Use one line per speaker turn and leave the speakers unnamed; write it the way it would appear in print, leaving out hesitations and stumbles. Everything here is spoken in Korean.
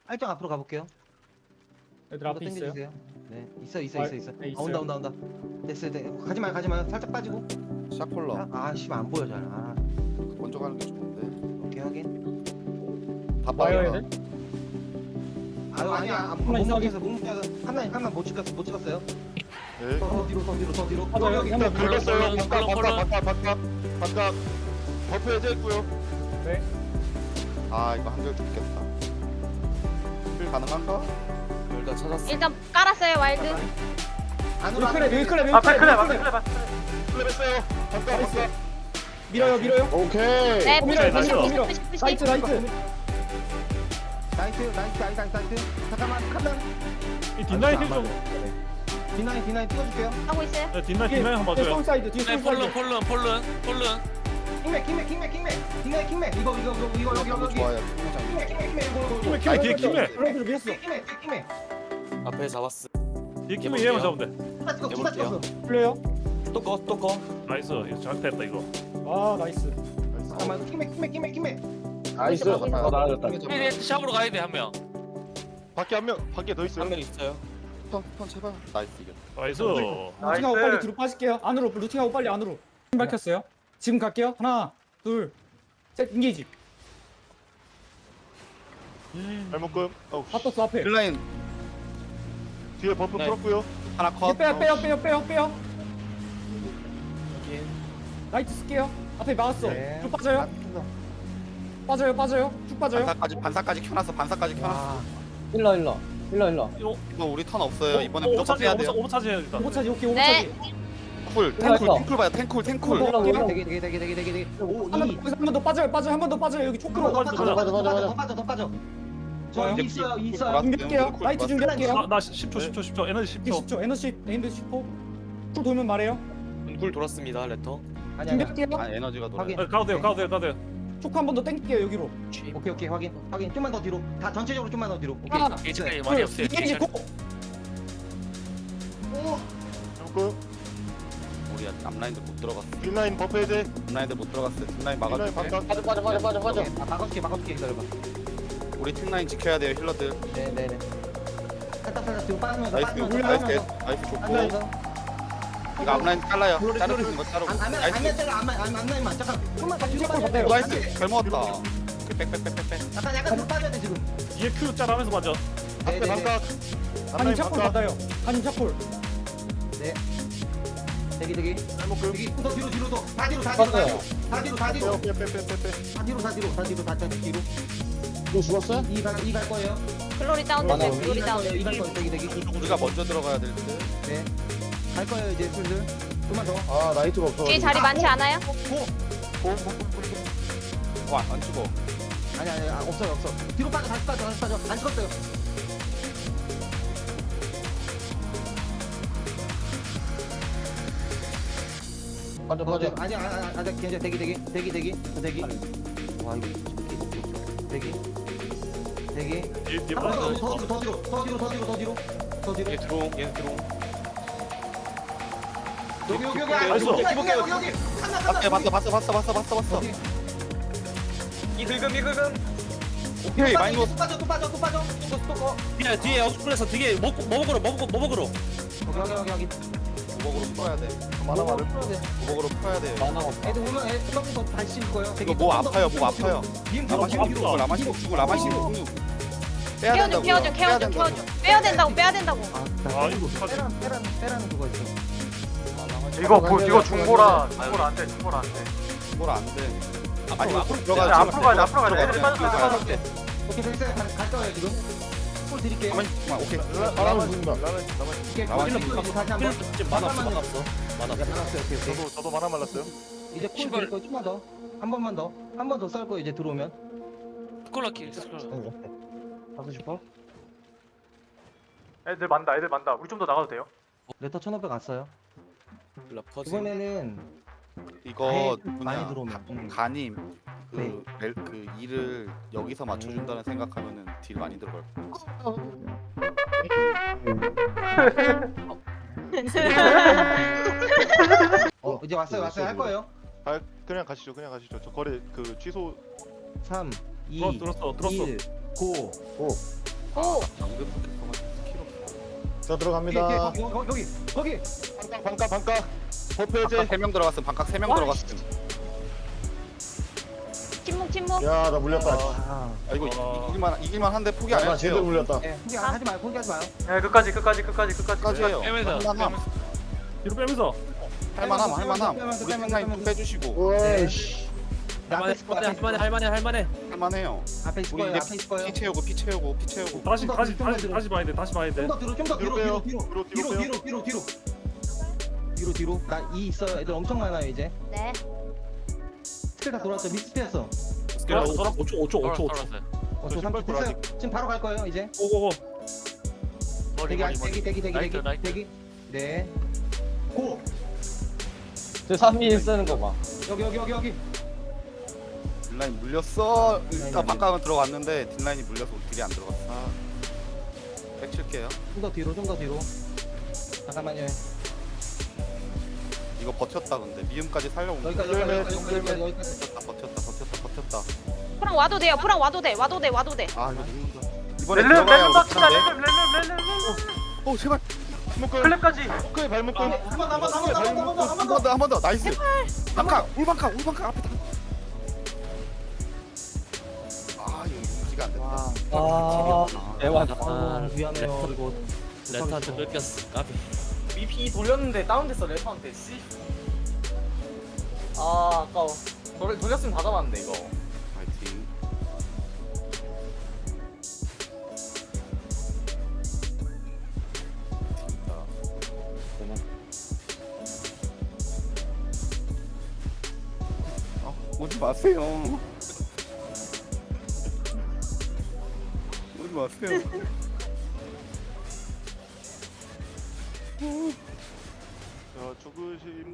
알짱 앞으로 가볼게요.
얘들 앞에 있어요.
당겨주세요. 네, 있어.
네,
아, 온다. 됐어요. 가지 마요. 살짝 빠지고.
샤콜러
씨, 안 보여 잘.
먼저 가는 게 좋은데.
오케이 확인.
다
와요
빠져.
얘들.
아니야. 못 먹겠어. 하나 못 찍었어요.
네.
더 뒤로.
맞아요.
여기
한번
긁었어요.
콜론.
바깥. 버프 해제했고요.
네.
아 이거 한결 죽겠다. 힐 가능한가?
둘다 찾았어.
일단 깔았어요 와일드.
밀크랩.
클랩했어요. 바깥.
밀어요.
오케이.
네,
밀어요,
푸시
밀어요.
푸시.
라이트.
나이스. 잠깐만 칸만.
이 뒷라인 힐 좀.
디나인 찍어줄게요.
하고 있어요.
네, 뒷라인 한번 봐줘요.
사이드 뒤에
네,
솔 사이드.
폴른.
킹맥. 디나인 이거 여기.
좋아요.
킹맥 이거.
아니, 뒤에 킴에.
플레이를 밀었어.
킹맥.
앞에 잡았어.
뒤에 키면 얘만 잡으면 돼.
두다 찍었어.
플레이어.
또 꺼.
나이스. 이거 잘했다 이거.
아 나이스.
잠깐만 킹맥.
나이스.
나아졌다.
샵으로 가야 돼 한 명.
밖에 더 있어요.
한 명 있어요.
턴 제발. 나이스 이겼.
나이스.
루팅하고 빨리 뒤로 빠질게요. 안으로 루팅하고 빨리 안으로. 힘 밝혔어요. 지금 갈게요. 하나, 둘, 셋. 인게이지.
발목금.
다 떴어 앞에.
힐라인 뒤에 버프
네.
풀었고요. 하나 컷.
빼요. 라이트 쓸게요. 앞에 막았어.
네.
쭉 빠져요. 쭉 빠져요.
반사까지 켜놨어.
일러.
이거 우리 턴 없어요. 이번에 무조건
오버차지
빼야 돼요.
오버차지 해야겠다.
오차지 오케이
네.
오차지.
쿨. 탱쿨 봐요. 탱쿨.
되게. 5, 2.
한 번 더 빠져요. 여기 초크로.
더 빠져. 저
좋아요.
있어요.
준비할게요. 라이트 준비할게요.
나 10초 에너지 10초.
10초. 에너지 10초. 쿨 돌면 말해요.
굴 돌았습니다 레터.
아니야.
준비할게요.
아 에너지가 돌아.
확인.
가도 돼요.
초크 한 번 더 땡길게요 여기로.
오케이. 확인. 좀만 더 뒤로. 다 전체적으로 좀만 더 뒤로. 오케이.
하나,
게이지까지 많이 없어요.
이게 고.
발목금.
우리 앞라인도 못 들어갔어.
뒷라인 버프 해제.
앞라인도 못 들어갔어. 뒷라인 막아줄게.
바깥.
빠져. 막아줄게 기다려봐.
우리 팀라인 지켜야 돼요 힐러들.
네네네. 살짝 뒤로 빠지면서
나이스 나이스 좋고.
빠지면서.
이거 앞라인 잘라요. 자르는 거 자르고. 나이스.
안나만 잠깐. 좀만 더 뒤로 빠져.
받아요.
나이스. 잘 먹었다. 빽빽빽빽.
약간 뒤로 빠져야 돼 지금.
뒤에 Q 짤하면서 맞아.
앞에 바깥.
한임 샷콜 받아요. 한임 샷콜.
대기.
발목금.
여기 더 뒤로 더. 다 뒤로. 다 뒤로. 다 뒤로.
너 죽었어?
이갈 거예요.
글로리 다운 됐어요. 글로리 다운.
이갈 거예요. 대기.
우리가 먼저 들어가야 될 듯.
네. 갈 거예요 이제 슬슬. 좀만 더.
아 나이트가 없어.
뒤에 자리 많지 않아요?
와안 죽어.
아니 없어요. 뒤로 빠져. 다시 빠져. 안 죽었어요.
빠져.
아니 괜찮아. 대기. 와 이거 대기.
뒤에
더 뒤로.
얘 들어옴.
여기. 여기.
봤어.
이 긁음.
오케이 많이 먹었어.
또 빠져.
뒤에 어스플레서 뒤에 머벅으로.
여기.
무복으로 풀어야 돼.
만화 많을
무복으로 풀어야 돼.
애들 오면 애들 더 다시 씹을 거예요.
이거 뭐 아파요. 목 아파요. 라마시고 죽고 라마시고 빼야 된다고.
케어줘. 빼야 된다고.
아 이거 어떡하지?
빼라는 그거 있어.
이거 중보라 안 돼.
뭘 안 돼. 아니 앞으로 들어가.
앞으로 가야 돼. 애들 빠져.
오케이 됐어요. 갈 거예요 지금. 볼 드릴게요.
가만히 있어봐. 오케이.
바람을 죽는다.
오케이.
나만
다시 한번.
지금 만화 없어.
많았어요. 오케이.
저도 만화 말랐어요.
이제 콜 드릴 거예요. 좀만 더. 한 번 더 쌀 거예요. 이제 들어오면.
스콜라킬.
하고 싶어?
애들 만다. 우리 좀 더 나가도 돼요?
레터 1500 왔어요.
라퍼즈.
이번에는
이거
많이
뭐냐
들어오면.
가님
네.
그 일을 여기서 맞춰준다는 생각하면은 딜 많이 들어갈 거야.
이제 왔어요. 할 거예요.
그냥 가시죠. 저 거래 그 취소.
3, 2,
들었어.
1, 고.
오.
방금 스킬 없어.
자 들어갑니다.
거기.
반각 반각. 버프해제.
반각 3명 들어갔음. 반각 3명 들어갔음.
침묵.
야 나 물렸다.
아,
아 이거 이길만 한데 포기 안
나
해도
제대로
돼요.
물렸다.
예, 포기하지 마요.
예, 끝까지.
끝까지 해요.
빼면서.
할만함.
뒤로 빼면서.
할만함.
빼면서,
우리 팀라인 좀 빼주시고
오이씨.
앞에 있을 거야.
할만해.
할만해요.
앞에 있을
우리
거예요.
이제
앞에 있을 거예요.
피 채우고.
다시 봐야 돼. 다시 봐야 돼.
좀 더 뒤로.
뒤로
뒤로. 나 이 있어요. 애들 엄청 많아요 이제.
네.
스킬 다 돌았죠. 미스트였어.
돌아 5초.
돌았어요.
저 3초 됐어요. 지금 바로 갈 거예요 이제.
고고고.
대기. 네. 고.
저 3인 쓰는 거 봐.
여기.
딜라인 물렸어.
딜라인
일단 반각은 들어갔는데 딜라인이 물려서 딜이 안 들어갔어. 백 칠게요.
좀 더 뒤로. 잠깐만요.
이거 버텼다 근데 미음까지 살려온 거.
여기까지.
버텼다.
프랑 와도 돼요. 와도 돼.
아 이거 죽는다. 이번에
렐름
들어가야
박치다.
못하는데.
렐름.
오 제발.
클랩까지.
오케이 발목을.
한 번 더. 나이스. 반각. 울반각 앞에 다. 아 이거 유지가 안 됐다.
대박.
아, 위험해요. 이거.
레터한테 뺏겼어. 까비.
BP 돌렸는데 다운됐어 레터한테 씨. 아 아까워. 돌렸으면 다 잡았는데 이거.
파이팅. 오지 마세요. 오지 마세요.
자 죽으신